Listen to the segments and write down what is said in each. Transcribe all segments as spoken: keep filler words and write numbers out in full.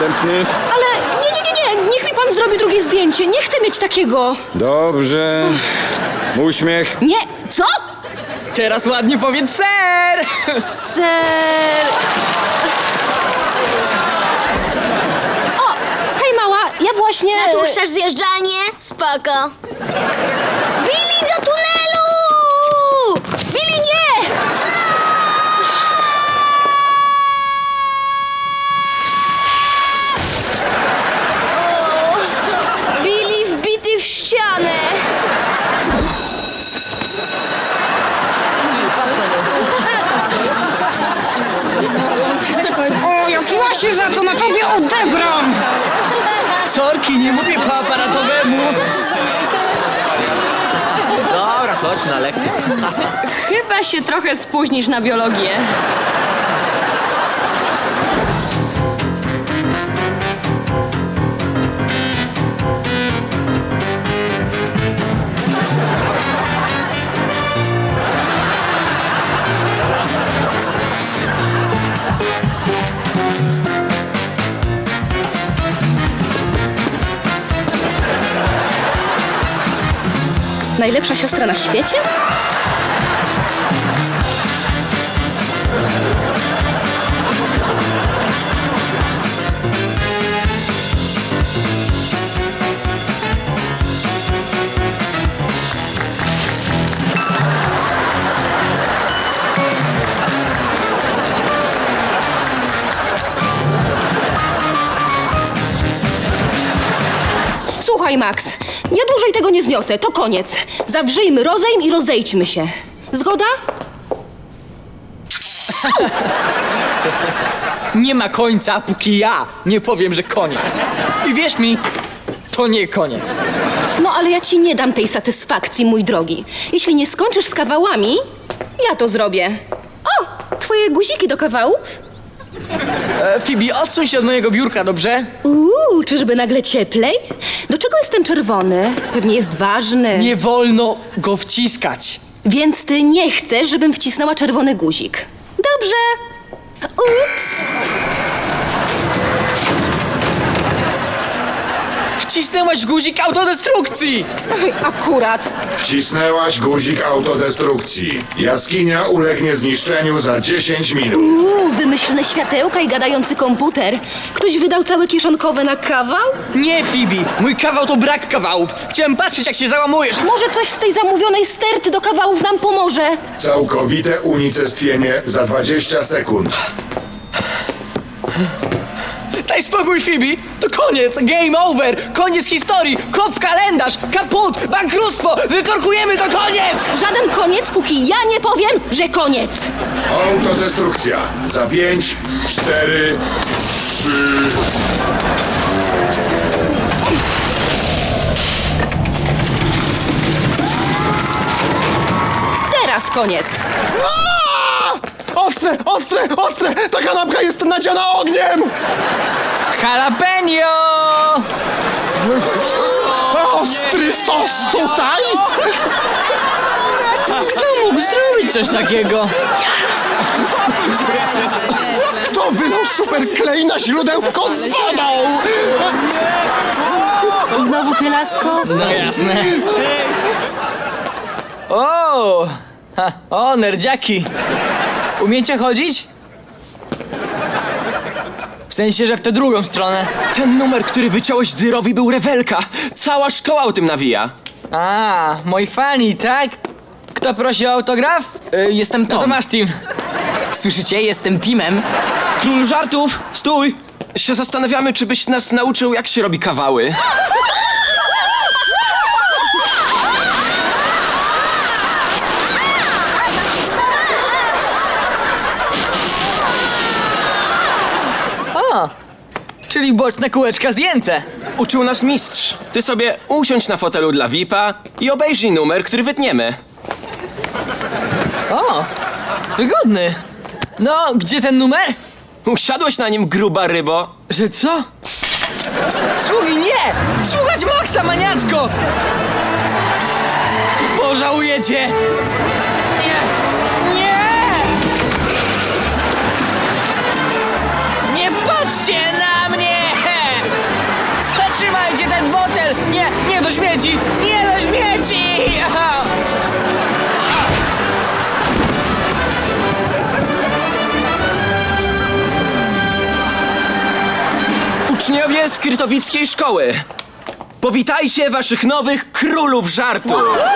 następny. Ale nie, nie, nie, nie, niech mi pan zrobi drugie zdjęcie. Nie chcę mieć takiego. Dobrze. Uśmiech. Nie, co? Teraz ładnie powiedz ser! Ser... O, hej mała, ja właśnie... Natłuszczasz zjeżdżanie? Spoko. Billy, do tunelu! Billy, nie! Billy wbity w ścianę. O, jak ja się za to na tobie odegram! Sorki, nie mówię po aparatowemu. Dobra, chodźmy na lekcję. Chyba się trochę spóźnisz na biologię. Najlepsza siostra na świecie? Słuchaj, Max, ja dłużej tego nie zniosę, to koniec. Zawrzyjmy rozejm i rozejdźmy się. Zgoda? Nie ma końca, póki ja nie powiem, że koniec. I wierz mi, to nie koniec. No ale ja ci nie dam tej satysfakcji, mój drogi. Jeśli nie skończysz z kawałami, ja to zrobię. O, twoje guziki do kawałów? E, Phoebe, odsuń się od mojego biurka, dobrze? Uuu, czyżby nagle cieplej? Do czego jest ten czerwony? Pewnie jest ważny. Nie wolno go wciskać. Więc ty nie chcesz, żebym wcisnęła czerwony guzik. Dobrze. Ups. Wcisnęłaś guzik autodestrukcji! Oj, akurat. Wcisnęłaś guzik autodestrukcji. Jaskinia ulegnie zniszczeniu za dziesięć minut. Uuu, wymyślne światełka i gadający komputer. Ktoś wydał całe kieszonkowe na kawał? Nie, Phoebe, mój kawał to brak kawałów. Chciałem patrzeć, jak się załamujesz. Może coś z tej zamówionej sterty do kawałów nam pomoże? Całkowite unicestwienie za dwadzieścia sekund. Daj spokój, Phoebe, to koniec, game over, koniec historii, kop w kalendarz, kaput, bankructwo, wykorkujemy, to koniec! Żaden koniec, póki ja nie powiem, że koniec. Autodestrukcja za pięć, cztery, trzy. Teraz koniec. Ostre, ostre, ostre! Ta kanapka jest nadziana ogniem! Jalapeno! Ostry sos tutaj? Kto mógł zrobić coś takiego? Kto wylał super klej na źródełko z wodą? Znowu ty, lasko? No jasne. O! Ha, o, nerdziaki! Umiecie chodzić? W sensie, że w tę drugą stronę. Ten numer, który wyciąłeś Dyrowi, był rewelka. Cała szkoła o tym nawija. A, moi fani, tak? Kto prosi o autograf? Y, jestem Tom. No to masz team. Słyszycie? Jestem Timem. Król żartów, stój! Się zastanawiamy, czy byś nas nauczył, jak się robi kawały. O, czyli boczne kółeczka zdjęte. Uczył nas mistrz. Ty sobie usiądź na fotelu dla V I P-a i obejrzyj numer, który wytniemy. O, wygodny. No, gdzie ten numer? Usiadłeś na nim, gruba rybo. Że co? Sługi, nie! Słuchać Maxa, maniacko! Pożałujecie! Nie! Nie! Nie patrzcie na mnie! śmieci! Nie do śmieci! Aha. Uczniowie z Krytowickiej Szkoły, powitajcie waszych nowych królów żartu.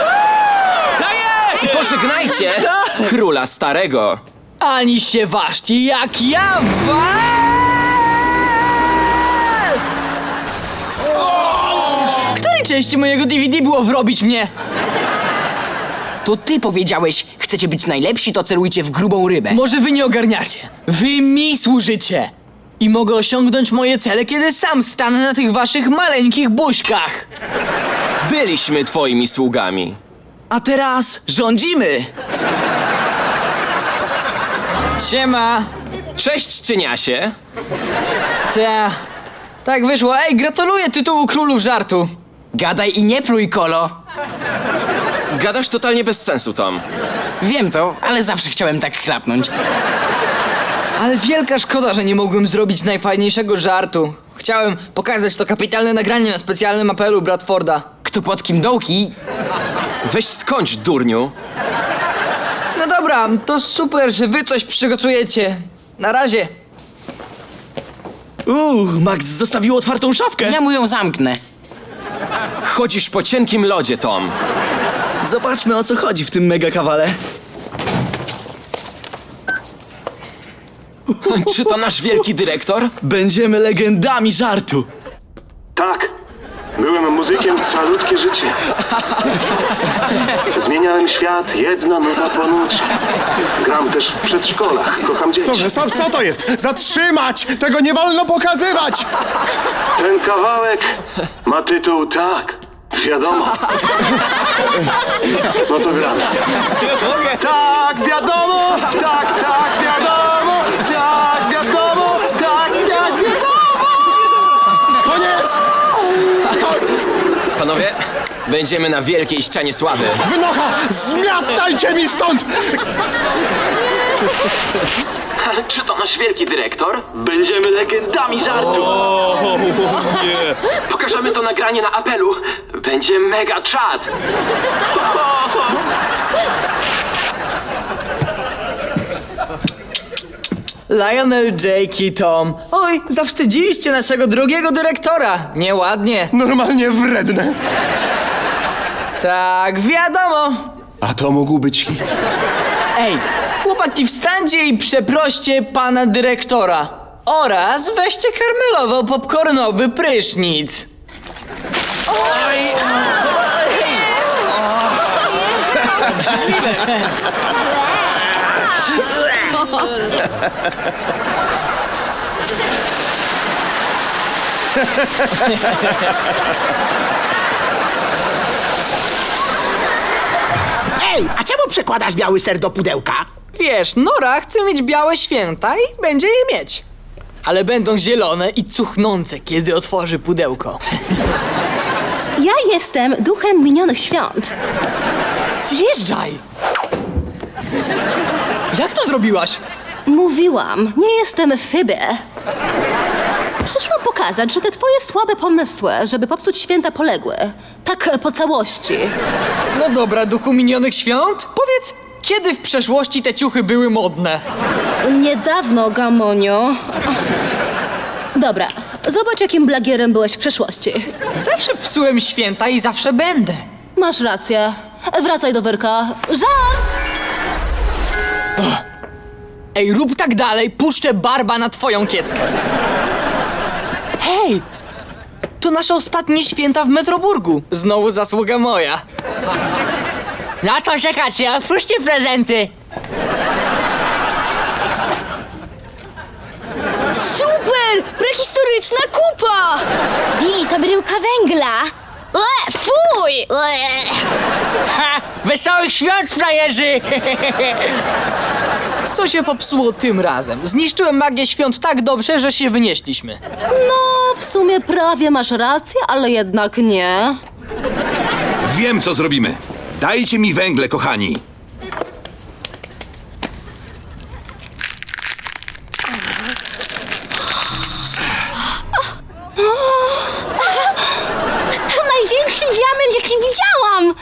I pożegnajcie króla starego. Ani się ważcie, jak ja was! W której części mojego D V D było wrobić mnie? To ty powiedziałeś, chcecie być najlepsi, to celujcie w grubą rybę. Może wy nie ogarniacie. Wy mi służycie. I mogę osiągnąć moje cele, kiedy sam stanę na tych waszych maleńkich buźkach. Byliśmy twoimi sługami. A teraz rządzimy. Siema. Cześć, cieniasie. Ta. Tak wyszło. Ej, gratuluję tytułu królów żartu. Gadaj i nie pluj, Kolo. Gadasz totalnie bez sensu, Tom. Wiem to, ale zawsze chciałem tak chlapnąć. Ale wielka szkoda, że nie mogłem zrobić najfajniejszego żartu. Chciałem pokazać to kapitalne nagranie na specjalnym apelu Bradforda. Kto pod kim dołki, Weź skończ, durniu. No dobra, to super, że wy coś przygotujecie. Na razie. Uuu, Max zostawił otwartą szafkę. ja mu ją zamknę. Chodzisz po cienkim lodzie, Tom. Zobaczmy, o co chodzi w tym mega kawale. Czy to nasz wielki dyrektor? Będziemy legendami żartu. Tak, byłem muzykiem calutkie życie. Zmieniałem świat, jedna nuta po nucie. Gram też w przedszkolach, kocham dzieci. Stop, stop, co to jest? Zatrzymać! Tego nie wolno pokazywać! Ten kawałek ma tytuł Tak, wiadomo. No to gramy. Tak, wiadomo, tak, tak, wiadomo, tak, wiadomo, tak, tak, wiadomo. Koniec! Ko Panowie, będziemy na wielkiej ścianie sławy. Wynocha! Zmiatajcie mi stąd! Czy to nasz wielki dyrektor? Będziemy legendami żartu. Pokażemy to nagranie na apelu. Będzie mega czad. Lionel, Jake i Tom. Oj, zawstydziliście naszego drugiego dyrektora. Nieładnie. Normalnie wredne. Tak, wiadomo. A to mógł być hit. Ej, chłopaki, wstańcie i przeproście pana dyrektora. Oraz weźcie karmelowo-popcornowy prysznic. Ej, a czemu przekładasz biały ser do pudełka? Wiesz, Nora chce mieć białe święta i będzie je mieć. Ale będą zielone i cuchnące, kiedy otworzy pudełko. Ja jestem duchem minionych świąt. Zjeżdżaj! Jak to zrobiłaś? Mówiłam, nie jestem Fibę. Przyszłam pokazać, że te twoje słabe pomysły, żeby popsuć święta, poległy. Tak po całości. No dobra, duchu minionych świąt, powiedz, kiedy w przeszłości te ciuchy były modne? Niedawno, Gamonio. Dobra, zobacz, jakim blagierem byłeś w przeszłości. Zawsze psułem święta i zawsze będę. Masz rację. Wracaj do wyrka. Żart! Ej, rób tak dalej, puszczę barba na twoją kieckę. Hej! To nasze ostatnie święta w Metroburgu. Znowu zasługa moja. Na co czekacie? Otwórzcie prezenty! Super! Prehistoryczna kupa! Billy, to bryłka węgla. Ue, fuj! Ue. Ha! Wesołych świąt, frajerzy! Co się popsuło tym razem? Zniszczyłem magię świąt tak dobrze, że się wynieśliśmy. No, w sumie prawie masz rację, ale jednak nie. Wiem, co zrobimy. Dajcie mi węgle, kochani. To największy wiatr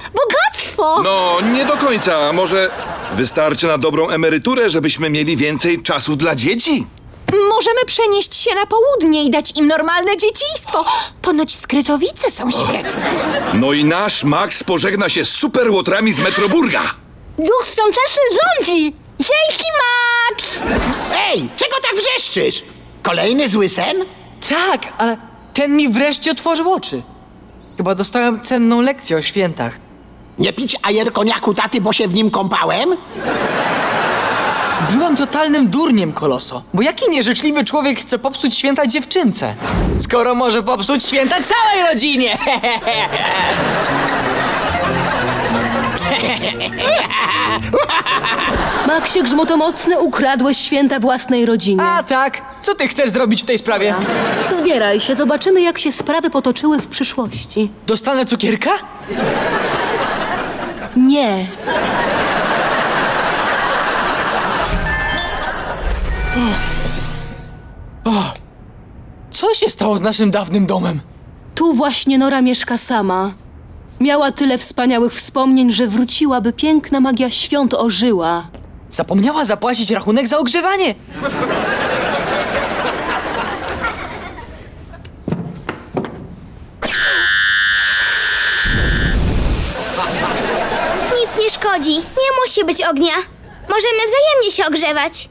Bogactwo! No, nie do końca. Może wystarczy na dobrą emeryturę, żebyśmy mieli więcej czasu dla dzieci? Możemy przenieść się na południe i dać im normalne dzieciństwo. Ponoć skrytowice są świetne. No i nasz Max pożegna się z superłotrami z Metroburga. Duch świąteczny rządzi! Dzięki, Max! Ej, czego tak wrzeszczysz? Kolejny zły sen? Tak, ale ten mi wreszcie otworzył oczy. Chyba dostałem cenną lekcję o świętach. Nie pić ajer koniaku taty, bo się w nim kąpałem? Byłem totalnym durniem, Koloso. Bo jaki nieżyczliwy człowiek chce popsuć święta dziewczynce? Skoro może popsuć święta całej rodzinie! Maxie Grzmotomocny, ukradłeś święta własnej rodzinie. A tak, co ty chcesz zrobić w tej sprawie? Zbieraj się, zobaczymy jak się sprawy potoczyły w przyszłości. Dostanę cukierka? Nie. Co się stało z naszym dawnym domem? Tu właśnie Nora mieszka sama. Miała tyle wspaniałych wspomnień, że wróciła, by piękna magia świąt ożyła. Zapomniała zapłacić rachunek za ogrzewanie. Nic nie szkodzi. Nie musi być ognia. Możemy wzajemnie się ogrzewać.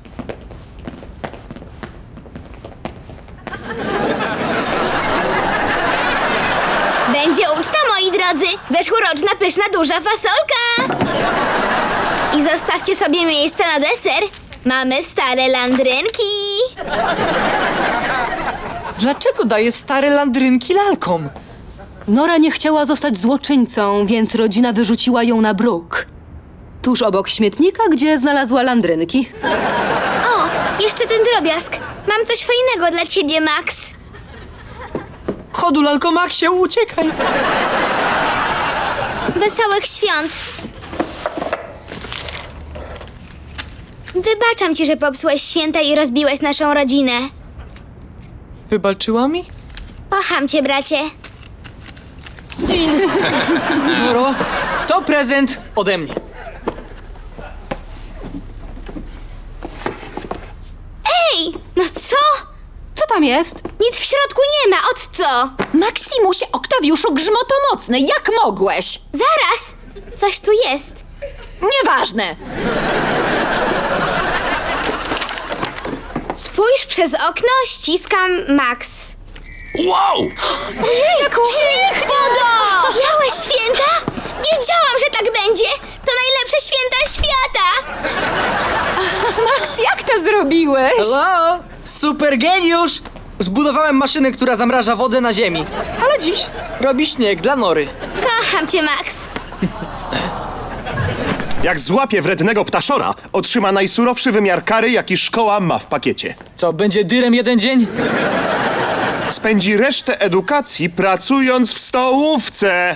Będzie uczta, moi drodzy. Zeszłoroczna pyszna duża fasolka. I zostawcie sobie miejsce na deser. Mamy stare landrynki. Dlaczego daje stare landrynki lalkom? Nora nie chciała zostać złoczyńcą, więc rodzina wyrzuciła ją na bruk. Tuż obok śmietnika, gdzie znalazła landrynki. O, jeszcze ten drobiazg. Mam coś fajnego dla ciebie, Max. Chodu, lalko Maxie, uciekaj! Wesołych świąt. Wybaczam ci, że popsułeś święta i rozbiłeś naszą rodzinę. Wybaczyła mi? Kocham cię, bracie. Noro, to prezent ode mnie. Ej, no co? Co tam jest? Nic w środku nie ma, od co? Maksimusie Oktawiuszu Grzmotomocny, jak mogłeś? Zaraz! Coś tu jest. Nieważne. Spójrz przez okno, ściskam Max. Wow! Ojejku! Śnieg, woda! Miałeś święta? Wiedziałam, że tak będzie! To najlepsze święta świata! Max, jak to zrobiłeś? Hello? Super geniusz! Zbudowałem maszynę, która zamraża wodę na ziemi. Ale dziś robi śnieg dla Nory. Kocham cię, Max. Jak złapie wrednego ptaszora, otrzyma najsurowszy wymiar kary, jaki szkoła ma w pakiecie. Co, będzie dyrem jeden dzień? Spędzi resztę edukacji pracując w stołówce.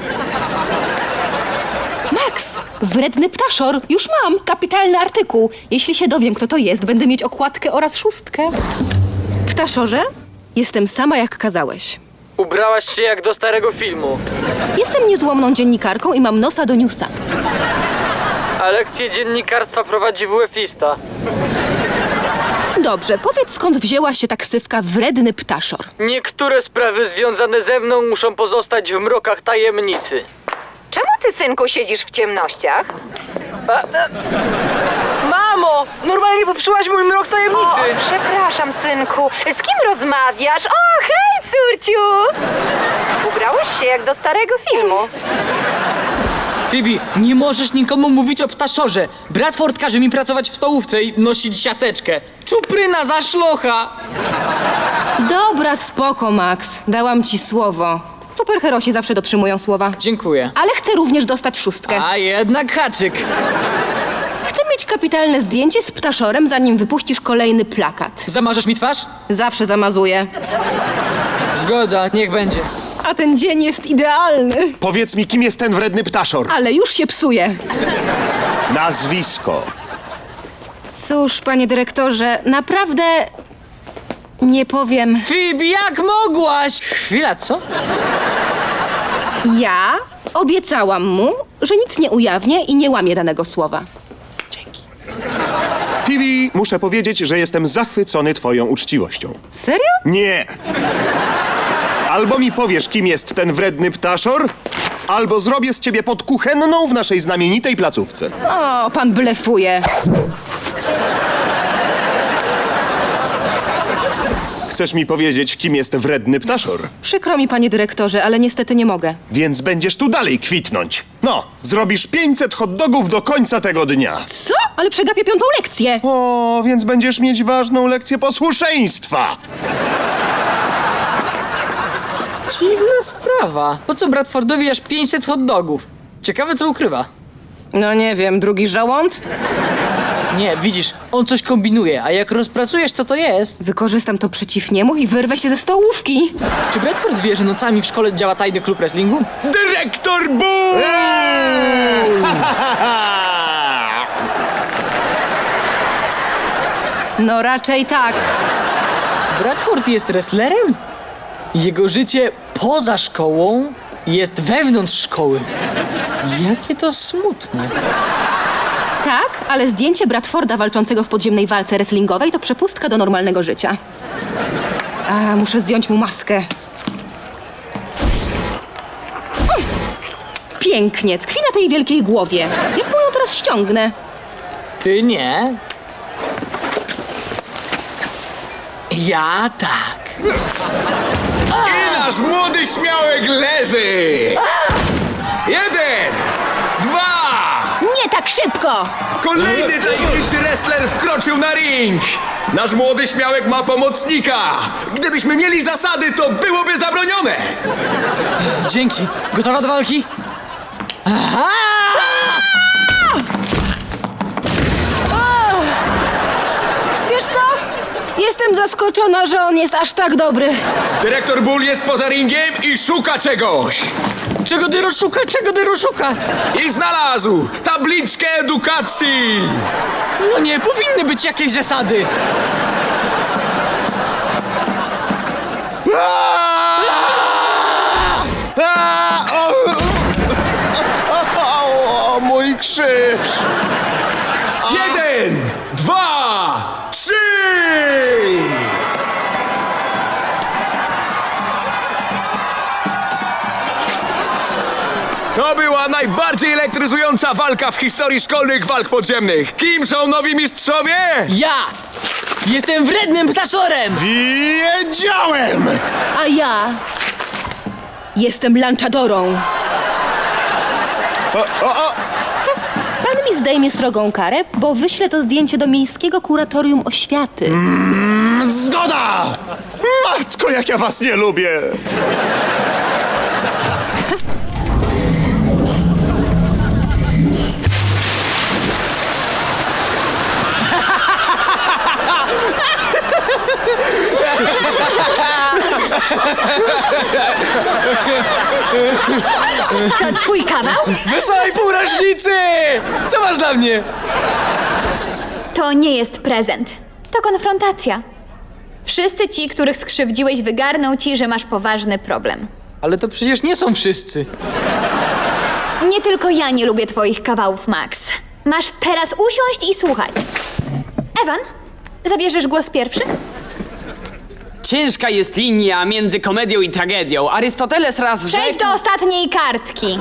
Max, wredny ptaszor. Już mam kapitalny artykuł. Jeśli się dowiem, kto to jest, będę mieć okładkę oraz szóstkę. Ptaszorze, jestem sama jak kazałeś. Ubrałaś się jak do starego filmu. Jestem niezłomną dziennikarką i mam nosa do newsa. A lekcję dziennikarstwa prowadzi wuefista. Dobrze, powiedz skąd wzięła się taksywka wredny ptaszor. Niektóre sprawy związane ze mną muszą pozostać w mrokach tajemnicy. Czemu ty, synku, siedzisz w ciemnościach? A, a... Mamo! Normalnie popsułaś mój mrok tajemnicy! O, przepraszam, synku. Z kim rozmawiasz? O, hej, córciu! Ubrałeś się jak do starego filmu. Phoebe, nie możesz nikomu mówić o ptaszorze. Bradford każe mi pracować w stołówce i nosić siateczkę. Czupryna za szlocha! Dobra, spoko, Max. Dałam ci słowo. Superherosi zawsze dotrzymują słowa. Dziękuję. Ale chcę również dostać szóstkę. A jednak haczyk. Chcę mieć kapitalne zdjęcie z ptaszorem, zanim wypuścisz kolejny plakat. Zamarzesz mi twarz? Zawsze zamazuję. Zgoda, niech będzie. A ten dzień jest idealny. Powiedz mi, kim jest ten wredny ptaszor? Ale już się psuje. Nazwisko. Cóż, panie dyrektorze, naprawdę nie powiem. Phoebe, jak mogłaś? Chwila, co? Ja Obiecałam mu, że nic nie ujawnię i nie łamię danego słowa. Phoebe, muszę powiedzieć, że jestem zachwycony twoją uczciwością. Serio? Nie! Albo mi powiesz, kim jest ten wredny ptaszor, albo zrobię z ciebie podkuchenną w naszej znamienitej placówce. O, pan blefuje. Chcesz mi powiedzieć, kim jest wredny ptaszor? Przykro mi, panie dyrektorze, ale niestety nie mogę. Więc będziesz tu dalej kwitnąć. No, zrobisz pięćset hot dogów do końca tego dnia. Co? Ale przegapię piątą lekcję. O, więc będziesz mieć ważną lekcję posłuszeństwa. Dziwna sprawa. Po co Bradfordowi aż pięćset hot dogów? Ciekawe, co ukrywa. No nie wiem, drugi żołąd? Nie, widzisz, on coś kombinuje, a jak rozpracujesz, co to jest? Wykorzystam to przeciw niemu i wyrwę się ze stołówki. Czy Bradford wie, że nocami w szkole działa tajny klub wrestlingu? Dyrektor Bull! No raczej tak. Bradford jest wrestlerem? Jego życie poza szkołą jest wewnątrz szkoły. Jakie to smutne. Tak, ale zdjęcie Bradforda walczącego w podziemnej walce wrestlingowej to przepustka do normalnego życia. A, muszę zdjąć mu maskę. Uff, pięknie, tkwi na tej wielkiej głowie. Jak mu ją teraz ściągnę? Ty nie. Ja tak. I nasz młody śmiałek leży! Jeden! Dwa! Nie tak szybko! Kolejny tajemniczy wrestler wkroczył na ring! Nasz młody śmiałek ma pomocnika! Gdybyśmy mieli zasady, to byłoby zabronione! Dzięki. Gotowa do walki? Aha! Wiesz co? Jestem zaskoczona, że on jest aż tak dobry. Dyrektor Bull jest poza ringiem i szuka czegoś! Czego Dyro szuka? Czego Dyro szuka? I znalazł tabliczkę edukacji! No nie, powinny być jakieś zasady. A, o, o, o, mój krzyż! Jeden! Dwa! Trzy! To była najbardziej elektryzująca walka w historii szkolnych walk podziemnych. Kim są nowi mistrzowie? Ja jestem wrednym ptaszorem! Wiedziałem! A ja jestem lanczadorą. O, o, o. Pan mi zdejmie srogą karę, bo wyślę to zdjęcie do Miejskiego Kuratorium Oświaty. Zgoda! Matko, jak ja was nie lubię! To twój kawał? Wesołej półrocznicy! Co masz dla mnie? To nie jest prezent. To konfrontacja. Wszyscy ci, których skrzywdziłeś, wygarną ci, że masz poważny problem. Ale to przecież nie są wszyscy. Nie tylko ja nie lubię twoich kawałów, Max. Masz teraz usiąść i słuchać. Ewan, zabierzesz głos pierwszy? Ciężka jest linia między komedią i tragedią. Arystoteles raz Przejdź do ostatniej kartki.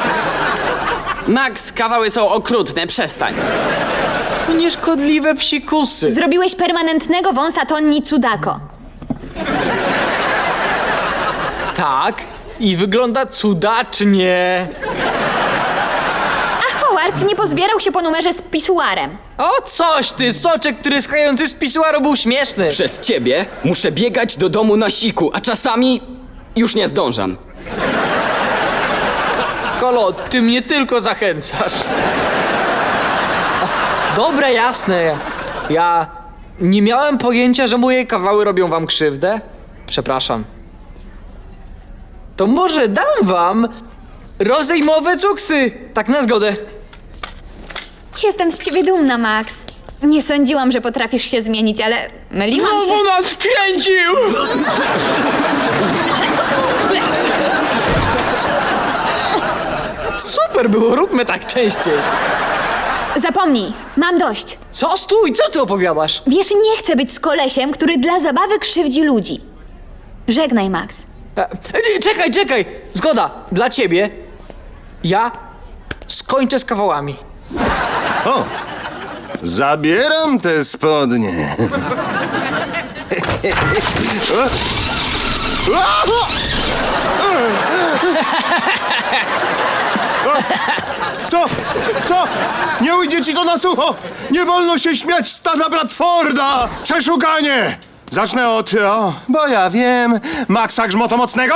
Max, kawały są okrutne, przestań. To nieszkodliwe psikusy. Zrobiłeś permanentnego wąsa Tonni Cudako. Tak, i wygląda cudacznie. A Howard nie pozbierał się po numerze z pisuarem. O coś ty, soczek tryskający z pisuaru był śmieszny. Przez ciebie muszę biegać do domu na siku, a czasami już nie zdążam. Kolo, ty mnie tylko zachęcasz. Dobre, jasne. Ja nie miałem pojęcia, że moje kawały robią wam krzywdę. Przepraszam. To może dam wam rozejmowe cuksy. Tak na zgodę. Jestem z ciebie dumna, Max. Nie sądziłam, że potrafisz się zmienić, ale myliłam się. Znowu nas wkręcił! Super było, róbmy tak częściej. Zapomnij, mam dość. Co? Stój, co ty opowiadasz? Wiesz, nie chcę być z kolesiem, który dla zabawy krzywdzi ludzi. Żegnaj, Max. E, e, czekaj, czekaj! Zgoda, dla ciebie. Ja skończę z kawałami. O! Zabieram te spodnie. Co? Kto? Nie ujdzie ci to na sucho! Nie wolno się śmiać z stada Bradforda! Przeszukanie! Zacznę od... O, bo ja wiem... Maxa Grzmotomocnego?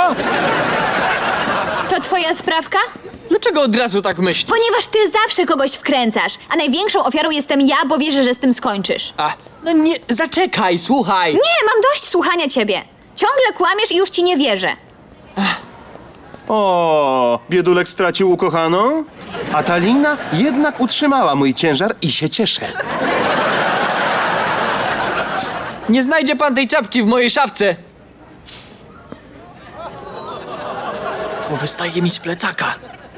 To twoja sprawka? Dlaczego od razu tak myślisz? Ponieważ ty zawsze kogoś wkręcasz, a największą ofiarą jestem ja, bo wierzę, że z tym skończysz. A, no nie, zaczekaj, słuchaj. Nie, mam dość słuchania ciebie. Ciągle kłamiesz i już ci nie wierzę. O, biedulek stracił ukochaną? A Talina jednak utrzymała mój ciężar i się cieszę. Nie znajdzie pan tej czapki w mojej szafce. Bo wystaje mi z plecaka.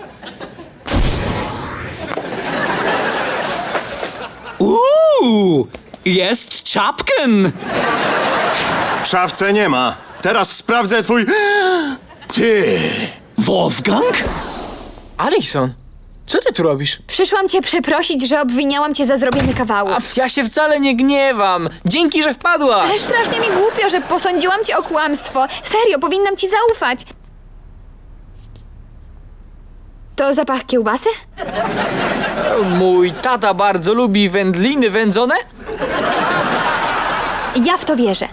Uuu, jest czapken. W szafce nie ma. Teraz sprawdzę twój... Ty! Wolfgang? Alison, co ty tu robisz? Przyszłam cię przeprosić, że obwiniałam cię za zrobienie kawału. A ja się wcale nie gniewam. Dzięki, że wpadłaś. Ale strasznie mi głupio, że posądziłam cię o kłamstwo. Serio, powinnam ci zaufać. To zapach kiełbasy? Mój tata bardzo lubi wędliny wędzone. Ja w to wierzę.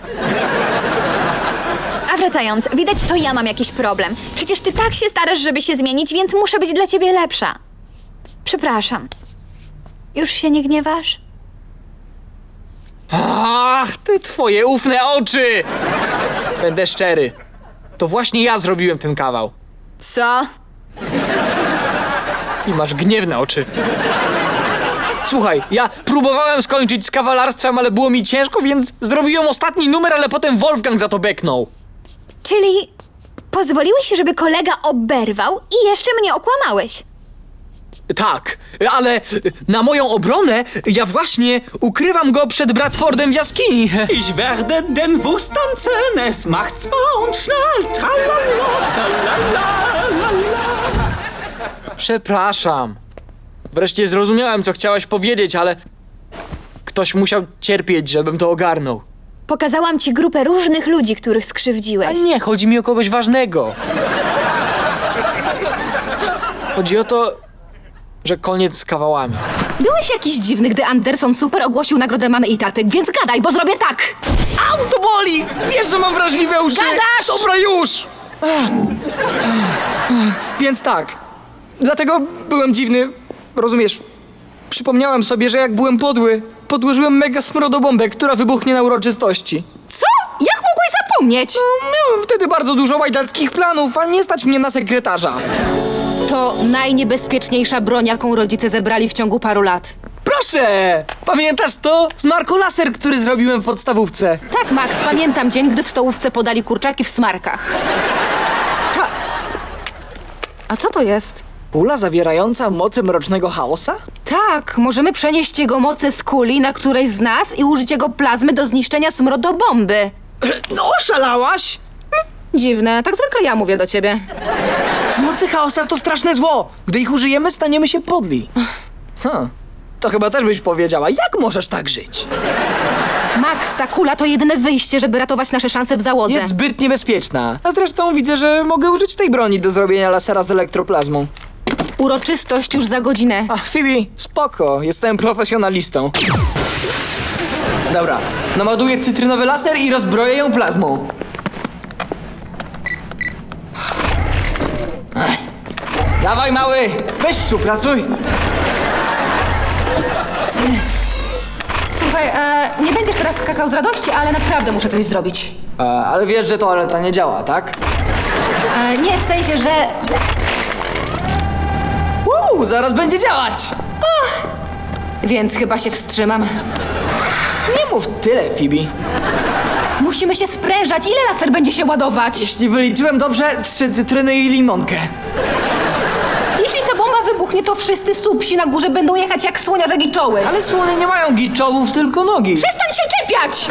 A wracając, widać, to ja mam jakiś problem. Przecież ty tak się starasz, żeby się zmienić, więc muszę być dla ciebie lepsza. Przepraszam. Już się nie gniewasz? Ach, ty twoje ufne oczy! Będę szczery. To właśnie ja zrobiłem ten kawał. Co? I masz gniewne oczy. Słuchaj, ja próbowałem skończyć z kawalarstwem, ale było mi ciężko, więc zrobiłem ostatni numer, ale potem Wolfgang za to beknął. Czyli pozwoliłeś, żeby kolega oberwał i jeszcze mnie okłamałeś? Tak, ale na moją obronę ja właśnie ukrywam go przed Bradfordem w jaskini. Ich werde den Wurst tanzen, es macht zwar und schnell, tralala, tralala. Przepraszam. Wreszcie zrozumiałem, co chciałaś powiedzieć, ale ktoś musiał cierpieć, żebym to ogarnął. Pokazałam ci grupę różnych ludzi, których A skrzywdziłeś. nie, chodzi mi o kogoś ważnego. Chodzi o to, że koniec z kawałami. Byłeś jakiś dziwny, gdy Anderson Super ogłosił nagrodę mamy i taty, więc gadaj, bo zrobię tak! Au, to boli! Wiesz, że mam wrażliwe uszy! Gadasz! Dobra, już! Więc tak, dlatego byłem dziwny, rozumiesz? Przypomniałem sobie, że jak byłem podły, podłożyłem mega smrodobombę, która wybuchnie na uroczystości. Co? Jak mogłeś zapomnieć? No, miałem wtedy bardzo dużo łajdackich planów, a nie stać mnie na sekretarza. To najniebezpieczniejsza broń, jaką rodzice zebrali w ciągu paru lat. Proszę! Pamiętasz to? Z Marco Laser, który zrobiłem w podstawówce. Tak, Max, pamiętam dzień, gdy w stołówce podali kurczaki w smarkach. Ha. A co to jest? Kula zawierająca moce mrocznego chaosa? Tak, możemy przenieść jego moce z kuli na którejś z nas i użyć jego plazmy do zniszczenia smrodobomby. No, oszalałaś! Dziwne, tak zwykle ja mówię do ciebie. Moce chaosa to straszne zło. Gdy ich użyjemy, staniemy się podli. Huh. To chyba też byś powiedziała, jak możesz tak żyć? Max, ta kula to jedyne wyjście, żeby ratować nasze szanse w załodze. Jest zbyt niebezpieczna. A zresztą widzę, że mogę użyć tej broni do zrobienia lasera z elektroplazmą. Uroczystość już za godzinę. A, Phoebe, spoko, jestem profesjonalistą. Dobra, naładuję cytrynowy laser i rozbroję ją plazmą. Ech. Dawaj, mały, weź współpracuj. Słuchaj, e, nie będziesz teraz skakał z radości, ale naprawdę muszę coś zrobić. E, ale wiesz, że toaleta nie działa, tak? E, nie, w sensie, że... Uuu, zaraz będzie działać! Więc chyba się wstrzymam. Nie mów tyle, Phoebe. Musimy się sprężać. Ile laser będzie się ładować? Jeśli wyliczyłem dobrze, trzy cytryny i limonkę. Jeśli ta bomba wybuchnie, to wszyscy supsi na górze będą jechać jak słoniowe giczoły. Ale słony nie mają giczołów, tylko nogi. Przestań się czepiać!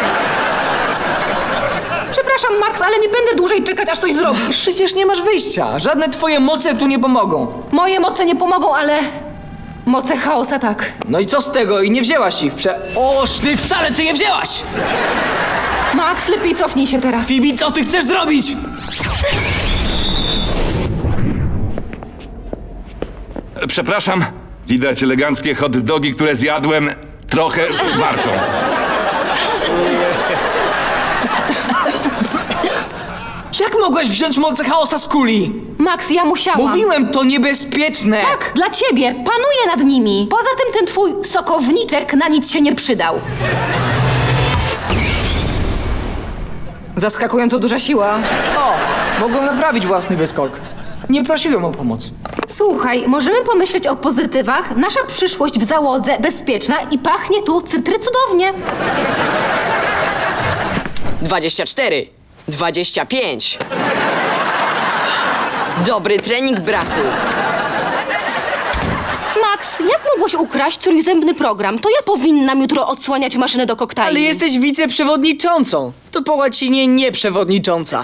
Przepraszam, Max, ale nie będę dłużej czekać, aż coś zrobisz. Przecież nie masz wyjścia. Żadne twoje moce tu nie pomogą. Moje moce nie pomogą, ale moce chaosa tak. No i co z tego? I nie wzięłaś ich prze... Oż ty wcale ty je wzięłaś! Max, lepiej cofnij się teraz. Phoebe, co ty chcesz zrobić? Przepraszam, widać eleganckie hot dogi, które zjadłem, trochę warczą. Jak mogłaś wziąć moce chaosa z kuli? Max, ja musiałam. Mówiłem, to niebezpieczne. Tak, dla ciebie. Panuję nad nimi. Poza tym ten twój sokowniczek na nic się nie przydał. Zaskakująco duża siła. O, mogłem naprawić własny wyskok. Nie prosiłem o pomoc. Słuchaj, możemy pomyśleć o pozytywach. Nasza przyszłość w załodze bezpieczna i pachnie tu cytry cudownie. dwadzieścia cztery, dwadzieścia pięć. Dobry trening, brachu. Max, jak mogłeś ukraść trójzębny program? To ja powinnam jutro odsłaniać maszynę do koktajli. Ale jesteś wiceprzewodniczącą. To po łacinie nieprzewodnicząca.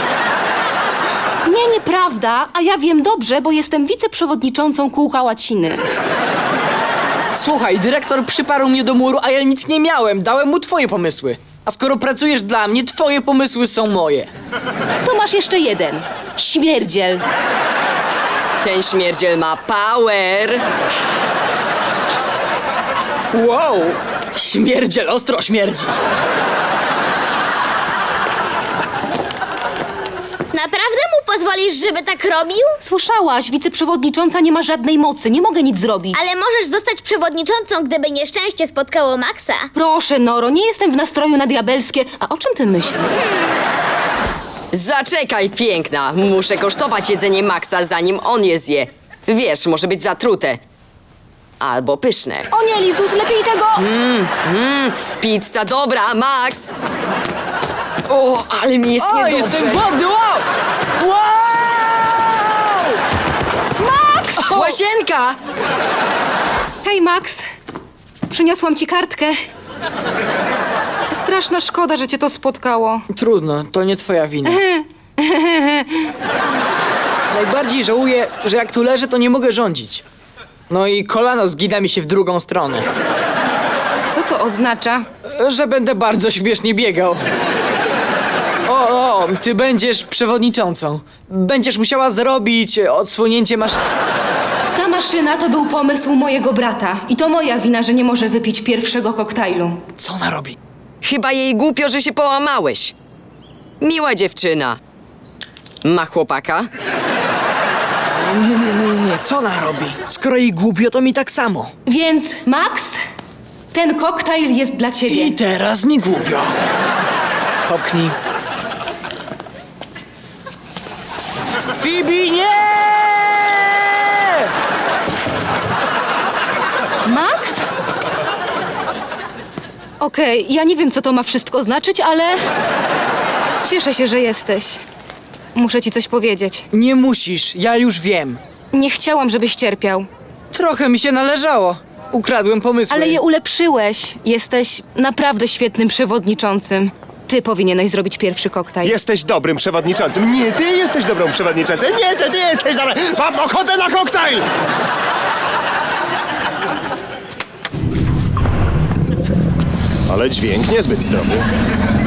Nie, nieprawda, a ja wiem dobrze, bo jestem wiceprzewodniczącą kółka łaciny. Słuchaj, dyrektor przyparł mnie do muru, a ja nic nie miałem. Dałem mu twoje pomysły. A skoro pracujesz dla mnie, twoje pomysły są moje. To masz jeszcze jeden. Śmierdziel. Ten śmierdziel ma power. Wow, śmierdziel ostro śmierdzi. Naprawdę mu pozwolisz, żeby tak robił? Słyszałaś, wiceprzewodnicząca nie ma żadnej mocy, nie mogę nic zrobić. Ale możesz zostać przewodniczącą, gdyby nieszczęście spotkało Maxa. Proszę, Noro, nie jestem w nastroju na diabelskie. A o czym ty myślisz? Zaczekaj, piękna. Muszę kosztować jedzenie Maxa, zanim on je zje. Wiesz, może być zatrute. Albo pyszne. O nie, Lizus, lepiej tego... Mmm, mmm, pizza dobra, Max. O, ale mi jest O, niedobrze. jestem głodny, wow! Wow! Max! Łazienka! Hej, Max. Przyniosłam ci kartkę. Straszna szkoda, że cię to spotkało. Trudno, to nie twoja wina. Najbardziej żałuję, że jak tu leżę, to nie mogę rządzić. No i kolano zgina mi się w drugą stronę. Co to oznacza? Że będę bardzo śmiesznie biegał. O, o, ty będziesz przewodniczącą. Będziesz musiała zrobić odsłonięcie masz... Ta maszyna to był pomysł mojego brata. I to moja wina, że nie może wypić pierwszego koktajlu. Co ona robi? Chyba jej głupio, że się połamałeś. Miła dziewczyna. Ma chłopaka? Nie, nie, nie, nie, co ona robi? Skoro jej głupio, to mi tak samo. Więc, Max, ten koktajl jest dla ciebie. I teraz mi głupio. Popchnij. Phoebe, nie! Max? Okej, ja nie wiem, co to ma wszystko znaczyć, ale cieszę się, że jesteś. Muszę ci coś powiedzieć. Nie musisz, ja już wiem. Nie chciałam, żebyś cierpiał. Trochę mi się należało. Ukradłem pomysły. Ale je ulepszyłeś. Jesteś naprawdę świetnym przewodniczącym. Ty powinieneś zrobić pierwszy koktajl. Jesteś dobrym przewodniczącym. Nie, ty jesteś dobrą przewodniczącą. Nie, że ty jesteś dobra. Mam ochotę na koktajl! Ale dźwięk niezbyt zdrowy.